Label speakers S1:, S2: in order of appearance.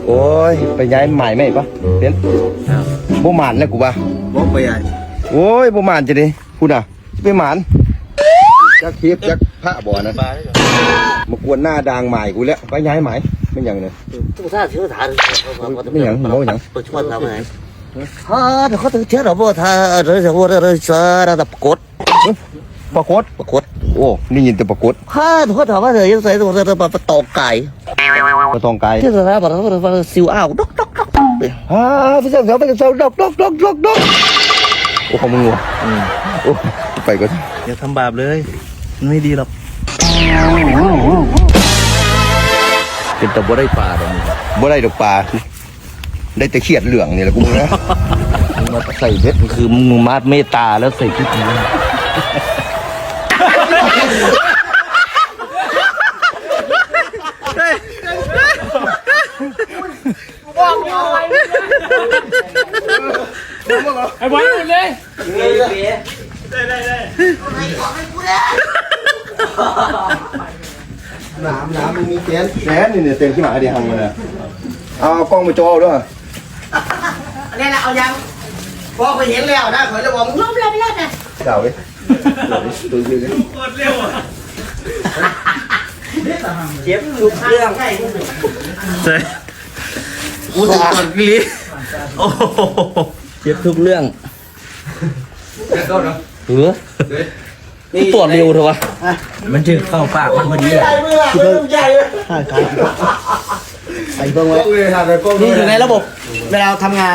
S1: โอ้ยไปย้ายใหม่ไหมปะเป็นบ่หมานแล้วกูว่า
S2: บ่ไปใหญ่
S1: โอ้ยบ่หมานจะดิพูดอ่ะไปหมานจักเทียบจักพระบ่อนะมากวนหน้าด่างใหม่กูแล้วไปย้ายใหม่ไม่อย่างเลย
S3: ตู้ท่าเชื้อถ่าน
S1: ไม่อย่างบ่อย่าง
S3: ประชดทำไงฮ่าเดี๋ยวเขาถึงเชื้อเราบ่ท่าเราจะว่าเราจะระดับกด
S1: ปรากฏ
S3: ประกด
S1: โอ้นี่ยินแต่ปรากฏ
S3: ฮ่าเขาถามว่าเธอยังใส่ตัวเธอมาตอกไก่
S1: กระทองไกล
S3: ที่สถาบันเราซิวอ้าวดอกดอกดอก
S1: ฮ่าไปเจ้าดอกโอ้ของมึงวะโอ้ไปก่อน
S2: อย่าทำบาปเลยไม่ดีหรอก
S3: เป็นตะบ่ได้ปลาตรงนี้
S1: บ่ได้ดอกปลาได้แต่เขียดเหลืองนี่แหละกูมึงนะมาใส่เบ็ด
S3: คือมึงมาเมตตาแล้วใส่พิษนี้
S4: ไอ้บอลเลย
S1: น้ำมึงมีแสนนี่เนี่ยเต็มที่หมาเดียวหังมาเลยเอากล้องมาโจด้วย
S5: นี่แหละเอายังพอไปเห็นแล้วนะขอจะบอกมึงล้มเลยไม่รอดนะ
S1: เก่าเลยตัวยืดเลย
S5: เจ็บทุกเรื่อง
S2: ใช่กูถึงก่อนพี่ลิโอ้โห
S3: เจ็บทุกเรื่องเออตรวจเร็วเถอะวะ
S2: มันจึงเข้าปากมันพอดี
S5: ใหญ่เมื่อใหญ่เลย
S3: ใส่เพิ่งไว้
S1: กล้องเลยค่ะแต่กล้อง
S5: นี่อยู่ในระบบเวลาทำงาน